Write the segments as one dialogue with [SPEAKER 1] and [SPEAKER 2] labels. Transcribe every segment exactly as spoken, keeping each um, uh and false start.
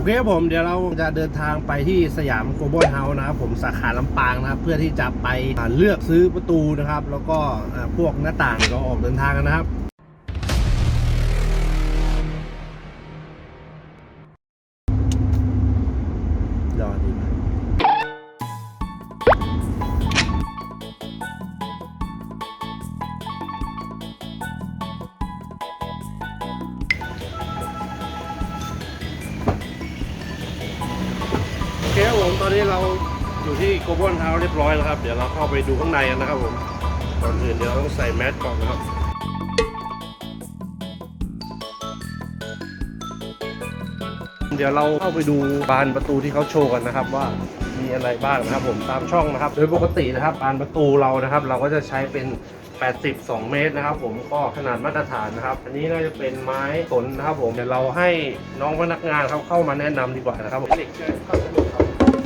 [SPEAKER 1] เคครับผมเดี๋ยวเราจะเดินทางไปที่สยามโกลบอลเฮาส์นะครับผมสาขาลำปางนะครับเพื่อที่จะไปเลือกซื้อประตูนะครับแล้วก็พวกหน้าต่างเราออกเดินทางกันนะครับรอดีมากโอเคครับผมตอนนี้เราอยู่ที่โกลบอลเฮาส์เรียบร้อยแล้วครับเดี๋ยวเราเข้าไปดูข้างในกันนะครับผมก่อนอื่นเดี๋ยวเราต้องใส่แมสก่อนนะครับเดี๋ยวเราเข้าไปดูบานประตูที่เขาโชว์กันนะครับว่ามีอะไรบ้างนะครับผมตามช่องนะครับโดยปกตินะครับบานประตูเรานะครับเราก็จะใช้เป็นแปดสิบสองเมตรนะครับผมก็ขนาดมาตรฐานนะครับอันนี้น่าจะเป็นไม้สนนะครับผมเดี๋ยวเราให้น้องพนักงานเขาเข้ามาแนะนำดีกว่านะครับผมเหล็กเชื่อมเข้าสะดวกครับ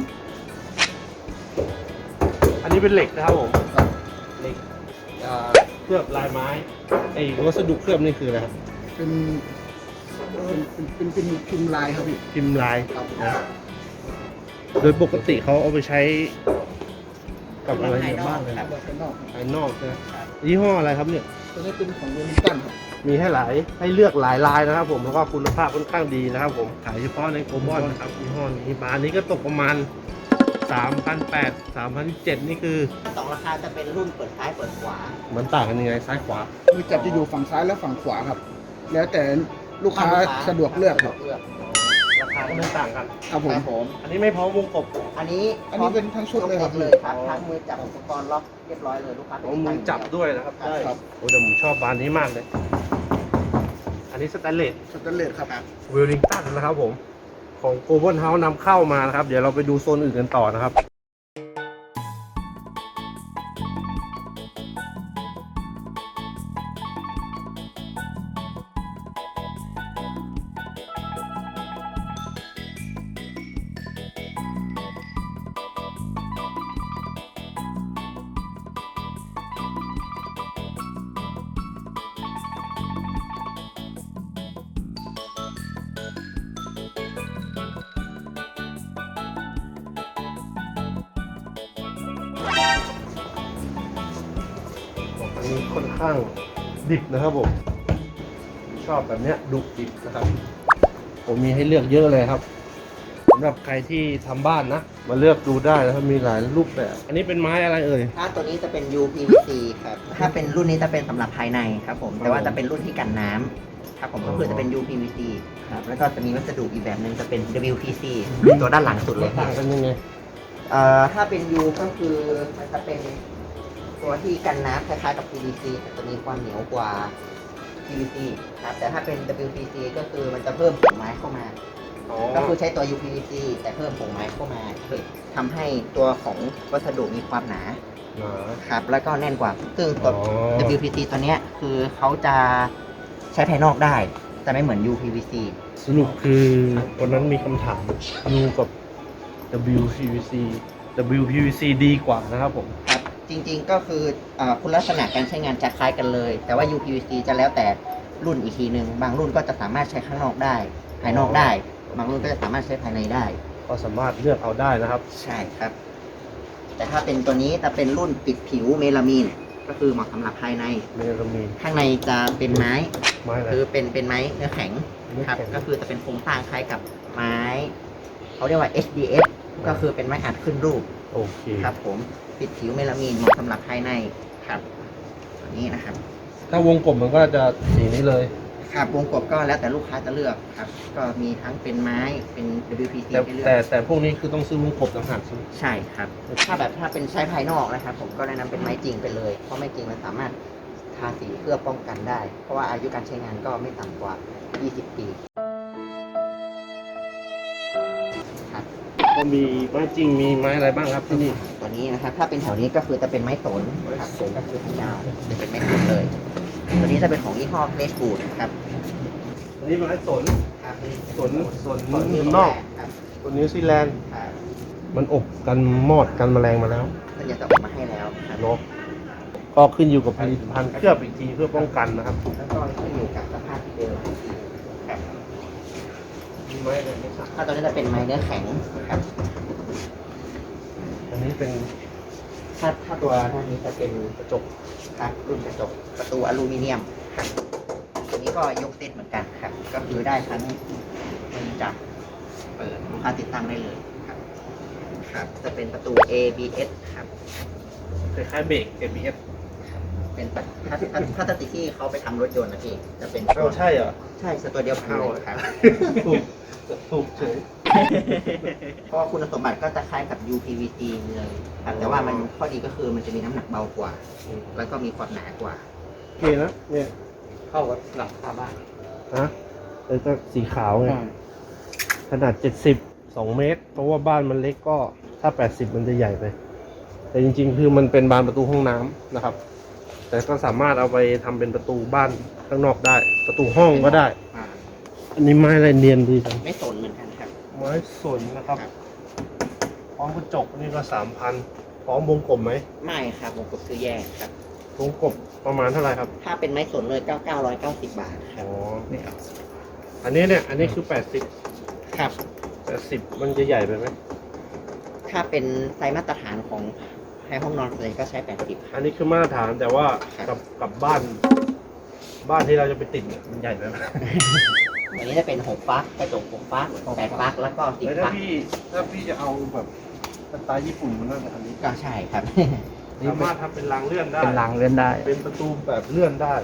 [SPEAKER 1] อันนี้เป็นเหล็กนะครับผมเหล็กเคลือบลายไม้ไอ้วัสดุเคลือบนี่คืออะไรครับ
[SPEAKER 2] เป็นเป็นเป็นเป็นพิมพ์ลายครับพี่
[SPEAKER 1] พิมพ์ลายนะโดยปกติเขาเอาไปใช้กับอะไรบ้างเลย
[SPEAKER 2] แบบภายนอก
[SPEAKER 1] ภายนอกนะยี่ห้ออะไรครับเนี่ย
[SPEAKER 2] ตัวนี้เป็นของเวลิงตันครับ
[SPEAKER 1] มีให้หลายให้เลือกหลายลายนะครับผมแล้วก็คุณภาพค่อนข้างดีนะครับผมขายเฉพาะในโกลบอลนะครับยี่ห้อนี้บานนี้ก็ตกประมาณ สามพันแปดร้อย สามพันเจ็ดร้อย นี่คือ
[SPEAKER 3] สองราคาจะเป็นรุ่นเปิดซ้ายเปิดขวา
[SPEAKER 1] มันต่างกันยังไงซ้ายขวา
[SPEAKER 2] มือจับจะอยู่ฝั่งซ้ายและฝั่งขวาครับ แล้วแต่ลูกค้าสะดวกเลือกครับ
[SPEAKER 1] ราคาก็ไม่ต่างกัน
[SPEAKER 2] ครับผม
[SPEAKER 3] ผม
[SPEAKER 1] อันนี้ไม่พร้อมวงกบ
[SPEAKER 3] อันนี้
[SPEAKER 2] อันนี้เป็นทั้งชุดเลยครับ
[SPEAKER 3] เลยครับทั้งมือจับอุปกรณ์ล็อกเรียบร้อยเลยลูกค้า
[SPEAKER 1] เอามือจับด้วยนะครับได้
[SPEAKER 2] ครับ
[SPEAKER 1] โอ้แต่ผมชอบบานนี้มากเลยอันนี้สแตนเลส
[SPEAKER 2] สแตนเลสครับ
[SPEAKER 1] เวลลิงตันนะครับผมของโกลบอลเฮาส์นำเข้ามานะครับเดี๋ยวเราไปดูโซนอื่นกันต่อนะครับอันนี้ค่อนข้างดิบนะครับผมชอบแบบเนี้ยดุดิบนะครับผมมีให้เลือกเยอะเลยครับสำหรับใครที่ทำบ้านนะมาเลือกดูได้นะครับมีหลายรูปแบบอันนี้เป็นไม้อะไรเอ่ย
[SPEAKER 3] ถ้าตัวนี้จะเป็น ยู พี วี ซี ครับถ้าเป็นรุ่นนี้จะเป็นสำหรับภายในครับผมแต่ว่าจะเป็นรุ่นที่กันน้ำครับผมก็คือจะเป็น ยู พี วี ซี ครับแล้วก็จะมีวัสดุอีกแบบหนึ่งจะเป็น ดับเบิลยู พี ซี ตัวด้านหลังสุดเลย
[SPEAKER 1] ต่างกันยังไง
[SPEAKER 3] เอ่อถ้าเป็น U ก็คือมันจะเป็นตัวที่กันน้ำคล้ายๆกับ พี วี ซี แต่จะมีความเหนียวกว่า พี วี ซี ครับแต่ถ้าเป็น ดับเบิลยู พี ซี ก็คือมันจะเพิ่มผงไม้เข้ามาก็คือใช้ตัว ยู พี วี ซี แต่เพิ่มผงไม้เข้ามาทำให้ตัวของวัสดุมีความหนาครับแล้วก็แน่นกว่าซึ่งตัว ดับเบิลยู พี ซี ตัวเนี้ยคือเขาจะใช้ภายนอกได้แต่ไม่เหมือน ยู พี วี ซี
[SPEAKER 1] สรุปคือวันนั้นมีคำถาม U กับ ดับเบิลยู พี วี ซี ดับเบิลยู พี วี ซี ดีกว่านะครับผม
[SPEAKER 3] ครับจริงๆก็คืออคุณลักษณะการใช้งานจะคล้ายกันเลยแต่ว่า ยู พี วี ซี จะแล้วแต่รุ่นอีกทีหนึ่งบางรุ่นก็จะสามารถใช้ข้างนอกได้ภายนอกได้บางรุ่นก็จะสามารถใช้ภายในได้
[SPEAKER 1] ก็สามารถเลือกเอาได้นะครับ
[SPEAKER 3] ใช่ครับแต่ถ้าเป็นตัวนี้จะเป็นรุ่นปิดผิวเมลามีนก็คือเหมาะสำหรับภายใน
[SPEAKER 1] เมลามีน
[SPEAKER 3] ข้างในจะเป็นไม้
[SPEAKER 1] ไม้อะไร
[SPEAKER 3] คือเป็นเป็นไม้เนื้อแข็งครับก็คือจะเป็นโครงสร้างคล้ายกับไม้เขาเรียกว่า เอช ดี เอฟ ก็คือเป็นไม้อัดขึ้นรูป
[SPEAKER 1] โอเค
[SPEAKER 3] ครับผมปิดผิวเมลามีนเหมาะสำหรับภายในครับตัวนี้นะครับ
[SPEAKER 1] ถ้าวงกลมมันก็จะสีนี้เลย
[SPEAKER 3] ครับวงกบก็แล้วแต่ลูกค้าจะเลือกครับก็มีทั้งเป็นไม้เป็น ดับเบิลยู พี ซี
[SPEAKER 1] แต่
[SPEAKER 3] ให้เลือก
[SPEAKER 1] แต่แต่พวกนี้คือต้องซื้อวงกบต่างหากใช่ไหม
[SPEAKER 3] ใช่ครับถ้าแบบถ้าเป็นใช้ภายนอกนะครับผมก็แนะนำเป็นไม้จริงไปเลยเพราะไม้จริงมันสามารถทาสีเพื่อป้องกันได้เพราะว่าอายุการใช้งานก็ไม่ต่ำกว่ายี่สิบปีครับ
[SPEAKER 1] ก็มีไม้จริงมีไม้อะไรบ้างครับที่นี่
[SPEAKER 3] ตัวนี้นะครับถ้าเป็นแถวนี้ก็คือจะเป็นไม้สนครับก็คือทางยาวจะเป็นไม้สนเลยตัวนี้จะเป็นของยี่ห้อเพลสบูดครับ
[SPEAKER 1] อันนี้ไม้สน
[SPEAKER 3] ครับ
[SPEAKER 1] สนสนนอกตัวนิวซีแลนด์มันอบกันมอดกันแมลงมาแล้ว
[SPEAKER 3] มันจะออกมาให้แล้ว
[SPEAKER 1] เนาะก็ขึ้นอยู่กับผลิตภัณฑ์เคลือบอีกทีเพื่อป้องกันนะครับ
[SPEAKER 3] แล้วก็ขึ้นอยู่กับสภาพที่เดิมครับ
[SPEAKER 1] อไม้อะไรไม่ทราบ
[SPEAKER 3] ถ้าตัวนี้จะเป็นไม้เนื้อแข็งครับ
[SPEAKER 1] อันนี้เป็น
[SPEAKER 3] ถ้าถ้าตัวท่านนี้จะเป็นกระจกครับรุ่นกระจกประตูอลูมิเนียมครับตัวนี้ก็ยกเซ็ตเหมือนกันครับ ก็คือได้ทั้งมันจับเปิดลูกค้าติดตั้งได้เลยครับครับ จะเป็นประตู เอ บี เอส ครับ
[SPEAKER 1] คล้ายๆเบรก เอ บี เอส
[SPEAKER 3] เป็นปะถ้าถ้าถ้าติที่เขาไปทำรถยนต์นะพี่จะเป็น
[SPEAKER 1] เอ้าใช่เหรอ
[SPEAKER 3] ใช่คือตัวเดียวกันเลยครับ
[SPEAKER 1] ถูกถูกเฉย
[SPEAKER 3] เพราะว่าคุณสมบัติก็จะคล้ายกับ ยู พี วี ซี เลยครับแต่ว่ามันข้อดีก็คือมันจะมีน้ำหนักเบากว่า แล้วก็มีความหนากว่า
[SPEAKER 1] โอเคนะเนี่ย
[SPEAKER 3] เข้ากับหลังคาบ้าน
[SPEAKER 1] ฮะแต่ก็สีขาวไงขนาดเจ็ดสิบสองเมตร เพราะว่าบ้านมันเล็กก็ถ้าแปดสิบมันจะใหญ่ไป แต่จริงๆคือมันเป็นบานประตูห้องน้ำนะครับ แต่ก็สามารถเอาไปทำเป็นประตูบ้านข้างนอกได้ ประตูห้องก็ได้
[SPEAKER 3] อ่า
[SPEAKER 1] อันนี้ไม้อะไรเนียนดีจัง
[SPEAKER 3] ไม่สนเหมือนกันครับ
[SPEAKER 1] ไม้สนนะครับพร้อมกระจกนี่ก็สามพันพร้อมวงกลมไหม
[SPEAKER 3] ไม่ครับผมกดซื้อแยกครับ
[SPEAKER 1] วงกลมประมาณเท่าไหร่ครับ
[SPEAKER 3] ถ้าเป็นไม้สนเลยเก้าเก้าร้อยเก้าสิบบาทครั
[SPEAKER 1] อ๋
[SPEAKER 3] บ
[SPEAKER 1] อ
[SPEAKER 3] นี่ครับ
[SPEAKER 1] อันนี้เนี่ย อันนี้คือแปดสิบ
[SPEAKER 3] ครับ
[SPEAKER 1] แปดสิบมันจะใหญ่ไปไหม
[SPEAKER 3] ถ้าเป็นไซส์มาตรฐานของให้ห้องนอนเลยก็ใช้แปดสิบ
[SPEAKER 1] อันนี้คือมาตรฐานแต่ว่า
[SPEAKER 3] ครับ
[SPEAKER 1] กับกับบ้าน บ้านที่เราจะไปติดเนี่ยมันใหญ่ไปไหม
[SPEAKER 3] อันนี้จะเป็นหกฟักกระจกหกฟักแปดฟักแล้วก็สิบ
[SPEAKER 1] แล้วถ้า
[SPEAKER 3] ฟัก
[SPEAKER 1] พี่ถ้าพี่จะเอาแบบสไตล์ญี่ปุ่นมันน่าจะอันนี้
[SPEAKER 3] ก็ใช่ครับ
[SPEAKER 1] สามารถทำเป็นรางเลื่อนได้
[SPEAKER 3] เป็นรางเลื่อนได้
[SPEAKER 1] เป็นประตูแบบเลื่อนได้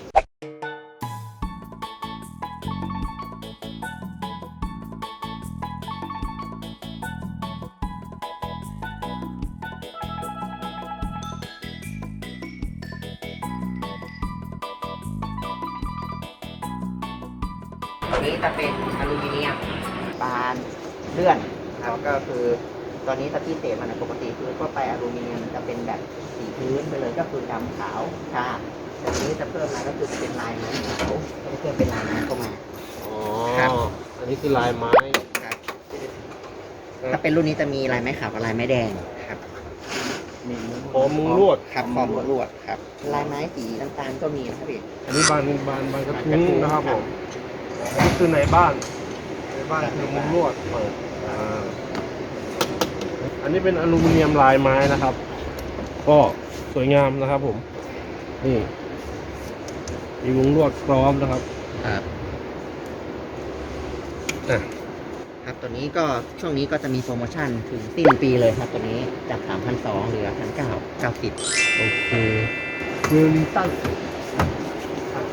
[SPEAKER 3] อันนี้จะเป็นอลูมิเนียมบานเลื่อนครับก็คือตอนนี้ถ้าที่เศษมันนะปกติคือทั่วไปอลูมิเนียมจะเป็นแบบสีพื้นไปเลยก็คือดำขาวชาแต่ทีนี้จะเพิ่มมาก็คือจะเป็นลายไม้ขาวก็จะเพิ่มเป็นลายไม้เข้ามา
[SPEAKER 1] อ๋อ
[SPEAKER 3] ครับ
[SPEAKER 1] อันนี้คือลายไม้
[SPEAKER 3] ครับถ้าเป็นรุ่นนี้จะมีลายไม้ขาวกับลายไม้แดงครับ
[SPEAKER 1] พร้อมมุงลวด
[SPEAKER 3] ครับพร้อมมุงลวดครับลายไม้สีน้ำตาลก็มีนะครับพี่
[SPEAKER 1] อันนี้บานบานบานกระ
[SPEAKER 3] บาน
[SPEAKER 1] ทุ้
[SPEAKER 3] กระ
[SPEAKER 1] ง
[SPEAKER 3] ทุ้ง
[SPEAKER 1] นะครับ
[SPEAKER 3] ค
[SPEAKER 1] ผ
[SPEAKER 3] รับ
[SPEAKER 1] มอันนี้คือในบ้าน ในบ้านคือมุงลวดเปิดอ่าอันนี้เป็นอลูมิเนียมลายไม้นะครับ ก็สวยงามนะครับผม นี่ มีมุงลวดพร้อมนะครับ
[SPEAKER 3] ครับ
[SPEAKER 1] อ่ะ
[SPEAKER 3] ครับตัวนี้ก็ช่วงนี้ก็จะมีโปรโมชั่นถึงสิ้นปีเลยครับตัวนี้จาก สามพันสองร้อย เหลือ หนึ่งพันเก้าร้อยเก้าสิบ
[SPEAKER 1] โอเคคืนตั้ง
[SPEAKER 3] ครับ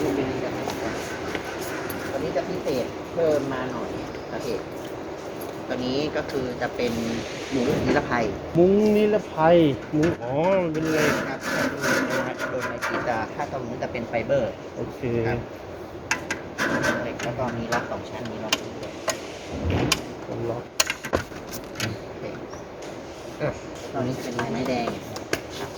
[SPEAKER 3] ตัวนี้จะพิเศษเพิ่มมาหน่อยครับพี่ตัวนี้ก็คือจะเป็นหมูนิรภัย
[SPEAKER 1] มุ้งนิรภัยมุ้งอ๋อ มันเป็นเหล็ก
[SPEAKER 3] ครับโดยในกีจะถ้าตรงนี้จะเป็นไฟเบอร์
[SPEAKER 1] โอเค
[SPEAKER 3] ครับเหล็กแล้วก็มีล็อกสองชั้นมีล็อกนี้ด้วย
[SPEAKER 1] ผมล็อก
[SPEAKER 3] โอเค
[SPEAKER 1] อ่ะ
[SPEAKER 3] ตัวนี้จะเป็นลายไม้แดงครับ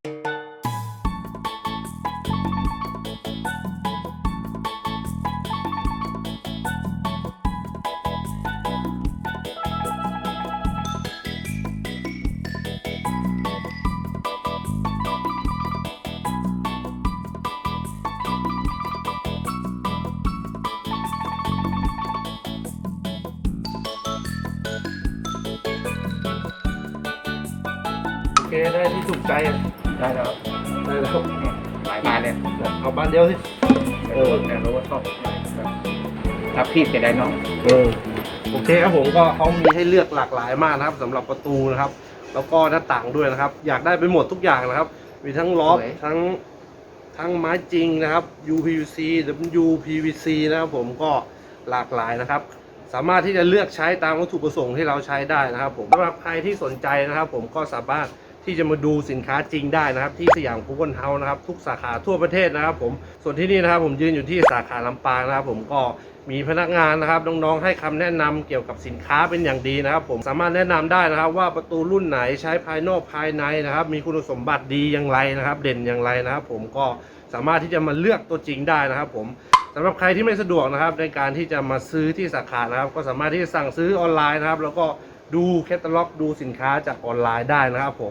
[SPEAKER 1] โอเค ได้ที่ถูกใจอ่ะได้แล้ว ได้แล้ว
[SPEAKER 3] หลายบานเลย
[SPEAKER 1] เอาบานเดียวสิ
[SPEAKER 3] เออแต่รู้ว่าชอบรับพี่เสียดายน้อง
[SPEAKER 1] เออโอเคครับผมก็เขามีให้เลือกหลากหลายมากนะครับสำหรับประตูนะครับ แล้วก็หน้าต่างด้วยนะครับ อยากได้ไปหมดทุกอย่างนะครับ มีทั้งล็อกทั้งทั้งไม้จริงนะครับ ยู พี วี ซี ดับเบิลยู พี วี ซี นะครับผมก็หลากหลายนะครับ สามารถที่จะเลือกใช้ตามวัตถุประสงค์ที่เราใช้ได้นะครับผมสำหรับใครที่สนใจนะครับ ผมก็สามารถที่จะมาดูสินค้าจริงได้นะครับ ที่สยามคูบอนเฮาส์นะครับทุกสาขาทั่วประเทศนะครับผมส่วนที่นี่นะครับผมยืนอยู่ที่สาขาลำปางนะครับ ผมก็มีพนักงานนะครับน้องๆให้คำแนะนำเกี่ยวกับสินค้าเป็นอย่างดีนะครับ ผมสามารถแนะนำได้นะครับ ว่าประตูรุ่นไหนใช้ภายนอกภายในนะครับ มีคุณสมบัติดีอย่างไรนะครับ เด่นอย่างไรนะครับ ผมก็สามารถที่จะมาเลือกตัวจริงได้นะครับ ผมสำหรับใครที่ไม่สะดวกนะครับในการที่จะมาซื้อที่สาขานะครับ ก็สามารถที่จะสั่งซื้อออนไลน์นะครับ แล้วก็ดูแคตตาล็อกดูสินค้าจากออนไลน์ได้นะครับ ผม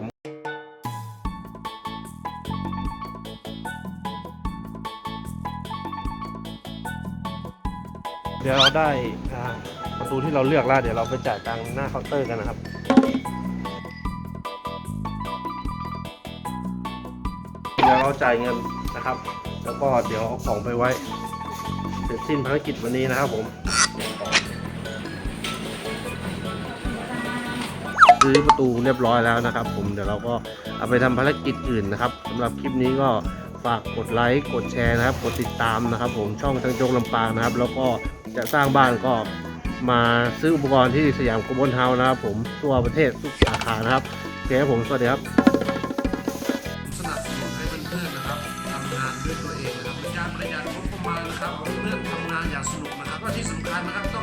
[SPEAKER 1] เดี๋ยวเราได้อ่าประตูที่เราเลือกแล้วเดี๋ยวเราไปจ่ายตังค์หน้าเคาน์เตอร์กันนะครับเดี๋ยวเราจ่ายเงินนะครับ แล้วก็เดี๋ยวเอาของไปไว้เสร็จสิ้นภารกิจวันนี้นะครับผมซื้อประตูเรียบร้อยแล้วนะครับผมเดี๋ยวเราก็เอาไปทำภารกิจอื่นนะครับสำหรับคลิปนี้ก็ฝากกดไลค์กดแชร์นะครับกดติดตามนะครับผมช่องช่างโจ๊กลำปางนะครับแล้วก็จะสร้างบ้านก็มาซื้ออุปกรณ์ที่สยามโกลบอลเฮาส์นะครับผมทั่วประเทศทุกสาขานะครับโอเคครับผมสวัสดีครับสนับสนุนให้เพื่อนๆนะครับทำงานด้วยตัวเองนะครับเป็นการประหยัดงบประมาณนะครับเพื่อนทำงานอย่างสนุกนะครับก็ที่สำคัญนะครับ